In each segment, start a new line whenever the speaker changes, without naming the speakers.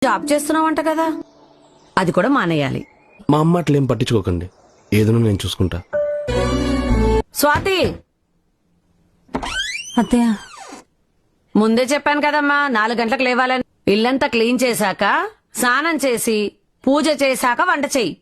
Job చేస్తున్నావంట కదా, అది కూడా మానేయాలి.
మా అమ్మ అట్లేం పట్టించుకోకండి, ఏదైనా నేను చూసుకుంటా.
స్వాతి,
అత్తయ్య
ముందే చెప్పాను కదమ్మా 4 గంటలకు లేవాలని. ఇల్లంతా క్లీన్ చేశాక, స్నానం చేసి, పూజ చేశాక వంట చెయ్యి.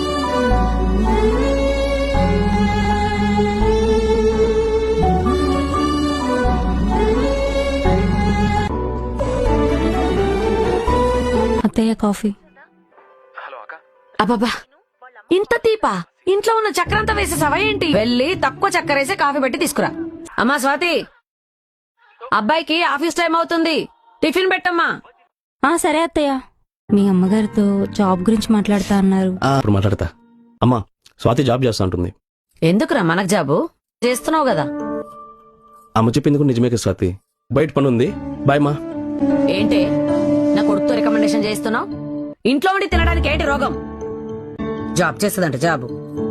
అత్తయ్య కాఫీ.
అబ్బబ్బా, ఇంత తీపా? ఇంట్లో ఉన్న చక్కెరంతా వేసేసావా ఏంటి? వెళ్ళి తక్కువ చక్కెర వేసి కాఫీ పెట్టి తీసుకురా. అమ్మా స్వాతి, అబ్బాయికి ఆఫీస్ టైం అవుతుంది, టిఫిన్ పెట్టమ్మా.
సరే అత్తయ్య. మీ అమ్మగారితో జాబ్ గురించి మాట్లాడుతా అన్నారు.
ఇప్పుడు మాట్లాడతా. అమ్మా, స్వాతి జాబ్ చేస్తా ఉంటుంది.
ఎందుకురా మనకు జాబు? చేస్తున్నావు కదా.
అమ్మ చెప్పింది కూడా నిజమే కదా స్వాతి. బయట పని ఉంది, బాయ్ మా.
ఏంటి నా కొడుకుతో రికమెండేషన్ చేస్తున్నావు? ఇంట్లో ఉండి తినడానికి ఏంటి రోగం? జాబ్ చేస్తుందంట జాబు.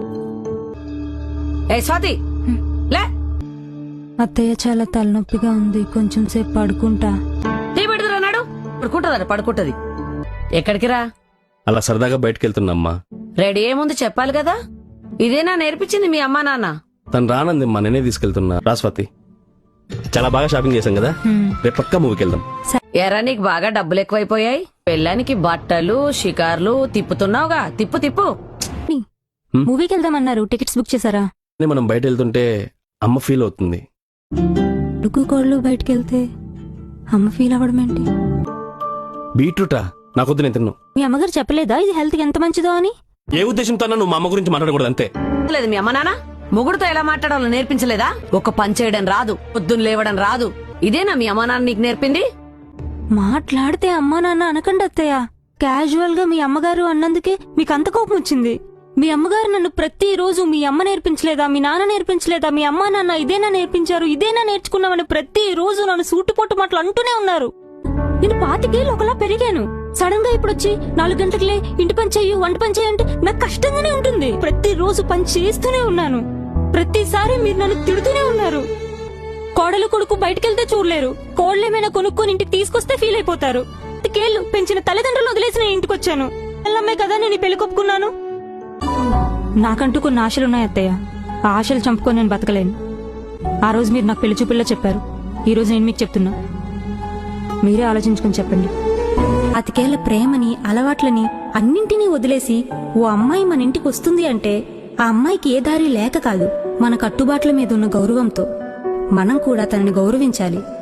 ఏ స్వాతి, లే.
అత్తయ్య చాలా తలనొప్పిగా ఉంది, కొంచెం సేపు పడుకుంటా.
టీ పెడుతురాడు. పడుకుంటది. ఎక్కడికి రా?
అలా సరదాగా బయటకు వెళ్తున్నా.
రెడీ ఏముంది చెప్పాలి కదా. ఇదేనా నేర్పించింది మీ అమ్మా నాన్న?
తను రానంది మా నేనే తీసుకెళ్తున్నా. రా స్వాతి, చాలా బాగా షాపింగ్ చేశాం కదా, రేపు పక్కా మూవీకి వెళ్దాం.
ఎరా నీకు బాగా డబ్బులు ఎక్కువైపోయాయి. పెళ్ళానికి బట్టలు షికార్లు తిప్పుతున్నావుగా. తిప్పు.
మూవీకి వెళ్దామన్నారు, టికెట్స్ బుక్ చేశారా?
మనం బయట వెళ్తుంటే అమ్మ ఫీల్ అవుతుంది.
డుగ్గు కోళ్ళు బయటకు వెళ్తే అమ్మ ఫీల్ అవ్వడం ఏంటి?
బీట్రూటా? నాకొద్దు, నేను తిన్ను.
మీ అమ్మగారు చెప్పలేదా ఇది హెల్త్ కి ఎంత మంచిదో అని?
ఏ ఉద్దేశంతో నువ్వు మా అమ్మ గురించి మాట్లాడకూడదు అంతే.
లేదు మీ అమ్మ నాన్న మొగుడుతో ఎలా మాట్లాడాలో నేర్పించలేదా? ఒక పని చేయడం రాదు, పొద్దున్న లేవడం రాదు. ఇదేనా మీ అమ్మ నాన్న నీకు నేర్పింది?
మాట్లాడితే అమ్మా నాన్న అనకండి అత్తయ్య. క్యాజువల్ గా మీ అమ్మగారు అన్నందుకే మీకు అంత కోపం వచ్చింది. మీ అమ్మగారు నన్ను ప్రతిరోజు మీ అమ్మ నేర్పించలేదా, మీ నాన్న నేర్పించలేదా, మీ అమ్మా నాన్న ఇదేనా నేర్పించారు, ఇదేనా నేర్చుకున్నామని ప్రతిరోజు నన్ను సూటిపోటు మాటలు అంటూనే ఉన్నారు. నేను 25 ఏళ్ళు ఒకలా పెరిగాను. సడన్ గా ఇప్పుడు వచ్చి 4 గంటలకే ఇంటి పని చెయ్యి, వంట పని చెయ్యి అంటే నాకు కష్టంగానే ఉంటుంది. ప్రతిరోజు పని చేస్తూనే ఉన్నాను. ప్రతిసారి మీరు నన్ను తిడుతూనే ఉన్నారు. కోడలు కొడుకు బయటకెళ్తే చూడలేరు, కోడలేమైనా కొనుక్కొని ఇంటికి తీసుకొస్తే ఫీల్ అయిపోతారు. 25 ఏళ్ళు పెంచిన తల్లిదండ్రులు వదిలేసి నేను ఇంటికి వచ్చాను. పిల్లమ్మే కదా నేను పెళ్లి కొప్పుకున్నాను. నాకంటూ కొన్ని ఆశలున్నాయి అత్తయ్య. ఆ ఆశలు చంపుకొని నేను బతకలేను. ఆ రోజు మీరు నాకు పెళ్లి చూపుల్లో చెప్పారు, ఈ రోజు నేను మీకు చెప్తున్నా. మీరే ఆలోచించుకొని చెప్పండి. 25 ఏళ్ల ప్రేమని, అలవాట్లని అన్నింటినీ వదిలేసి ఓ అమ్మాయి మన ఇంటికి వస్తుంది అంటే ఆ అమ్మాయికి ఏ దారి లేక కాదు, మన కట్టుబాట్ల మీద ఉన్న గౌరవంతో. మనం కూడా తనని గౌరవించాలి.